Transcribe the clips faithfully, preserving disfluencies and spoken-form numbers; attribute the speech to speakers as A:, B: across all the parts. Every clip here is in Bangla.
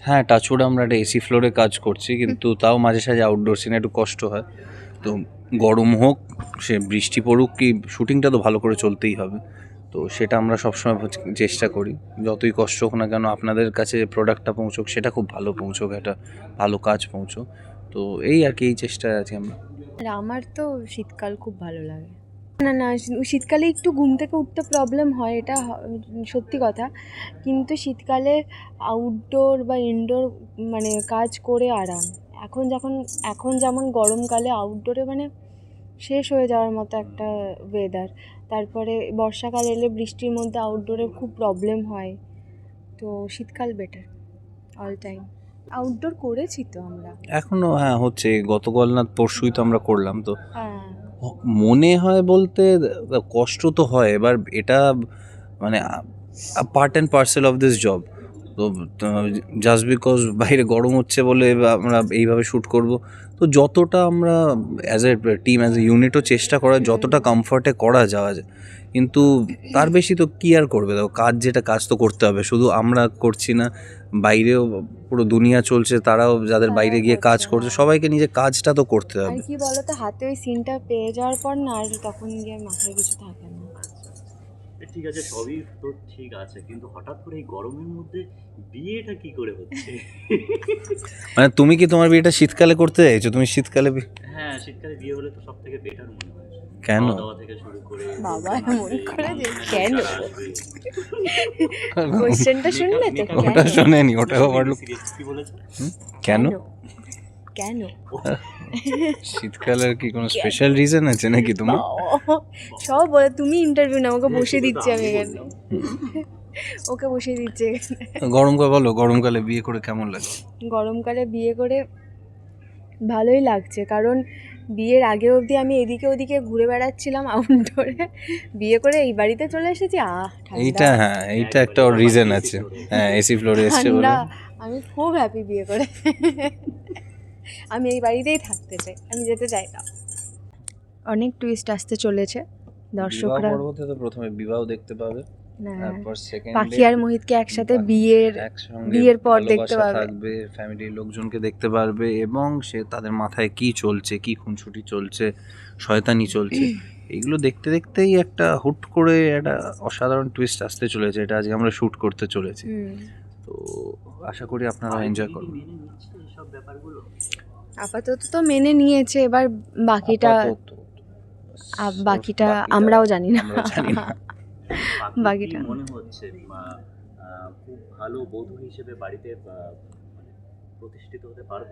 A: হ্যাঁ, টাচউড আমরা একটা এসি ফ্লোরে কাজ করছি, কিন্তু তাও মাঝে সাঝে আউটডোর সিনে একটু কষ্ট হয়। তো গরম হোক, সে বৃষ্টি পড়ুক, কি শুটিংটা তো ভালো করে চলতেই হবে। তো সেটা আমরা সবসময় চেষ্টা করি, যতই কষ্ট হোক না কেন আপনাদের কাছে প্রোডাক্টটা পৌঁছোক, সেটা খুব ভালো পৌঁছোক, একটা ভালো কাজ পৌঁছোক। তো এই আর কি, এই চেষ্টায় আছি আমরা।
B: আর আমার তো শীতকাল খুব ভালো লাগে। না না শীতকালে একটু ঘুম থেকে উঠতে প্রবলেম হয়, এটা সত্যি কথা, কিন্তু শীতকালে আউটডোর বা ইনডোর মানে কাজ করে আরাম। এখন যখন এখন যেমন গরমকালে আউটডোরে মানে শেষ হয়ে যাওয়ার মতো একটা ওয়েদার, তারপরে বর্ষাকাল এলে বৃষ্টির মধ্যে আউটডোরে খুব প্রবলেম হয়। তো শীতকাল বেটার অল টাইম। আউটডোর করেছি তো আমরা
A: এখনো, হ্যাঁ হচ্ছে, গতকাল না পরশুই তো আমরা করলাম। তো
B: হ্যাঁ
A: মনে হয় বলতে কষ্ট তো হয়, এবার এটা মানে part and parcel of this job. তো জাস্ট বিকজ বাইরে গরম হচ্ছে বলে আমরা এইভাবে শ্যুট করব, তো যতটা আমরা as a team as a ইউনিটও চেষ্টা করা যতটা কমফর্টে করা যাওয়া যায়, কিন্তু তার বেশি তো কী আর করবে। দেখো, কাজ যেটা কাজ তো করতে হবে, শুধু আমরা করছি না, বাইরেও পুরো দুনিয়া চলছে, তারাও যাদের বাইরে গিয়ে কাজ করছে, সবাইকে নিজের কাজটা তো করতে
B: আর
A: হবে।
B: কি বলতো, হাতে ওই সিনটা পেয়ে যাওয়ার পর না আর তখন গিয়ে মাথায় কিছু থাকে না।
C: ঠিক আছে, সবই তো ঠিক আছে, কিন্তু হঠাৎ করে এই গরমের মধ্যে বিয়েটা কি করে হচ্ছে?
A: মানে তুমি কি তোমার বিয়েটা শীতকালে করতে চাইছো? তুমি শীতকালে বি-
C: হ্যাঁ, শীতকালে বিয়ে হলে তো সব থেকে বেটার মনে হয়।
A: কেন?
C: খাওয়া দাওয়া থেকে শুরু করে
B: বাবা
C: লোকজন
B: এমন
C: আসবে,
B: করে যে
C: মানুষজনের
B: কেন
C: যারা আসবে।
B: কোশ্চেনটা শুনলে তো
C: মেকআপ-
A: ওটা
B: কেন
A: শোনেনি, ওটা আবার লোক-
C: Serious কি বলেছে?
A: কেন?
B: কেন
A: শীতকালের কি কোনো স্পেশাল রিজন আছে নাকি তোমার?
B: বাবা, সব বলে তুমি ইন্টারভিউ না, ওকে বসে
C: সেটা তো
B: দিচ্ছি আমি
C: আমি
B: এখানে,
C: বললাম।
B: ওকে বসিয়ে দিচ্ছি এখানে।
A: গরমকাল বলো, গরমকালে বিয়ে করে কেমন লাগে?
B: গরমকালে বিয়ে করে ভালোই লাগছে, কারণ বিয়ের আগে অবধি আমি এদিকে ওদিকে ঘুরে বেড়াচ্ছিলাম আউটডোরে, বিয়ে করে এই বাড়িতে চলে এসেছি, আহ
A: এইটা, হ্যাঁ এইটা একটা রিজন আছে। হ্যাঁ, এসি ফ্লোরে এসছে বলে।
B: ঠান্ডা। আমি খুব হ্যাপি বিয়ে করে, আমি এই বাড়িতেই থাকতে চাই, আমি যেতে চাই না। অনেক টুইস্ট আসতে চলেছে, দর্শকরা
A: বিবাহ পর্বতে তো প্রথমে বিবাহ দেখতে পাবে,
B: না,
A: তারপর সেকেন্ড
B: পাখি আর মোহিতকে একসাথে বিয়ের বিয়ের পর দেখতে পাবে,
A: থাকবে, ফ্যামিলির লোকজনকে দেখতে পারবে, এবং সে তাদের মাথায় কি চলছে, কি খুনসুটি চলছে, শয়তানি চলছে, এইগুলো দেখতে দেখতেই একটা হুট করে একটা অসাধারণ টুইস্ট আসতে চলেছে। এটা আজকে আমরা শ্যুট করতে চলেছি, তো আশা করি আপনারা এনজয় করবেন।
C: মেনে নিচ্ছে এইসব ব্যাপারগুলো?
B: আপাতত তো মেনে নিয়েছে, এবার বাকিটা
A: আপাতত,
B: আ- বাকিটা আমরাও জানি না।
A: আমরা জানি না।
C: বাকিটা
B: বাকিটা
C: মনে হচ্ছে মা, আহ, খুব ভালো বধূ হিসেবে বাড়িতে আহ, মানে প্রতিষ্ঠিত হতে পারবে?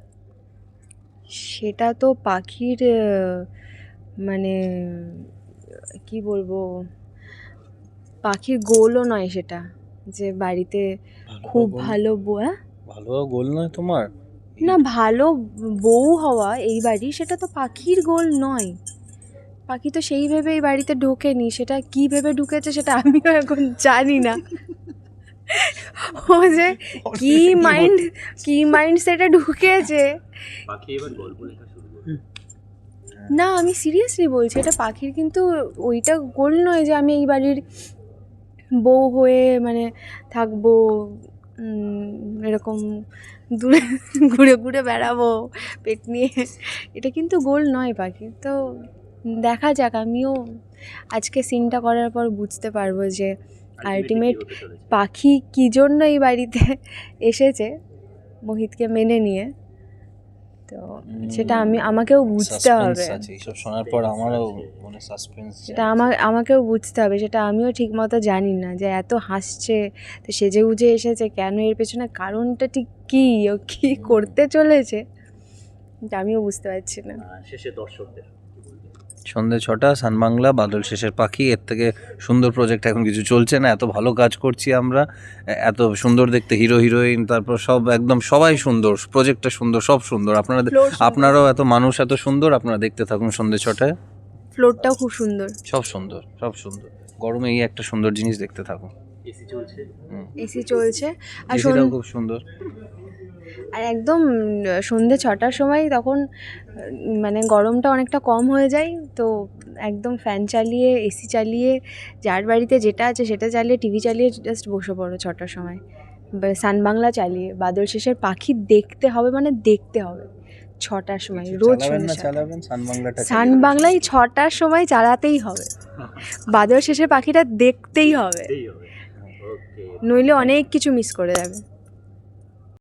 B: সেটা তো পাখির আহ, মানে কি বলবো, পাখির গোলও নয় সেটা, যে বাড়িতে খুব ভালো বউ, হ্যাঁ?
A: ভালো গোল নয় তোমার?
B: না, ভালো বউ হওয়া এই বাড়ি, সেটা তো পাখির গোল নয়। পাখি তো সেই ভেবে এই বাড়িতে ঢোকেনি, সেটা কি ভেবে ঢুকেছে সেটা আমিও এখন জানি না। ও যে কি মাইন্ড কি মাইন্ড সেটা ঢুকেছে।
C: বাকি এবার গল্প লেখা শুরু করবে।
B: না, আমি সিরিয়াসলি বলছি, এটা পাখির কিন্তু ওইটা গোল নয় যে আমি এই বাড়ির বউ হয়ে মানে থাকবো, উম, এরকম দূরে ঘুরে ঘুরে বেড়াবো পেট নিয়ে, এটা কিন্তু গোল নয় পাখির। তো দেখা যাক, আমিও আজকে সিনটা করার পর বুঝতে পারবো যে আলটিমেট পাখি কী জন্য এই বাড়িতে এসেছে মোহিতকে মেনে নিয়ে। তো সেটা আমি আমাকেও বুঝতে হবে,
A: এইসব শোনার পর আমারও মনে সাসপেন্স,
B: সেটা আমার আমাকেও বুঝতে হবে, সেটা আমিও ঠিক মতো জানি না, যে এত হাসছে তো সেজে গুজে এসেছে কেন, এর পেছনে কারণটা ঠিক কী, ও কী করতে চলেছে এটা আমিও বুঝতে পারছি না।
C: শেষে দর্শকদের
A: সন্ধ্যে ছটা, সানবাংলা, বাদল শেষের পাখি, এর থেকে সুন্দর প্রজেক্ট এখন কিছু চলছে না। এত ভালো কাজ করছি আমরা, এত সুন্দর দেখতে হিরো হিরোইন, তারপর সব একদম সবাই সুন্দর, প্রজেক্টটা সুন্দর, সব সুন্দর। আপনারা আপনারাও এত মানুষ এত সুন্দর, আপনারা দেখতে থাকুন সন্ধ্যে ছটায়।
B: ফ্লোরটাও খুব সুন্দর,
A: সব সুন্দর, সব সুন্দর। গরমে এই একটা সুন্দর জিনিস দেখতে থাকুন।
C: এসি চলছে,
B: এসি চলছে, আর
A: এসিটাও খুব সুন্দর।
B: আর একদম সন্ধ্যে ছটার সময় তখন মানে গরমটা অনেকটা কম হয়ে যায়, তো একদম ফ্যান চালিয়ে এসি চালিয়ে যার বাড়িতে যেটা আছে সেটা চালিয়ে টিভি চালিয়ে জাস্ট বসে পড়ো ছটার সময়, সান বাংলা চালিয়ে বাদল শেষের পাখি দেখতে হবে, মানে দেখতে হবে ছটার সময় রোজ
A: চালাবেন না
B: সন্ধ্যে
A: চালাবেন সান বাংলাটা
B: সান বাংলায় ছটার সময় চালাতেই হবে, বাদল শেষের পাখিটা দেখতেই হবে,
C: এই হবে। ওকে।
B: নইলে অনেক কিছু মিস করে যাবে।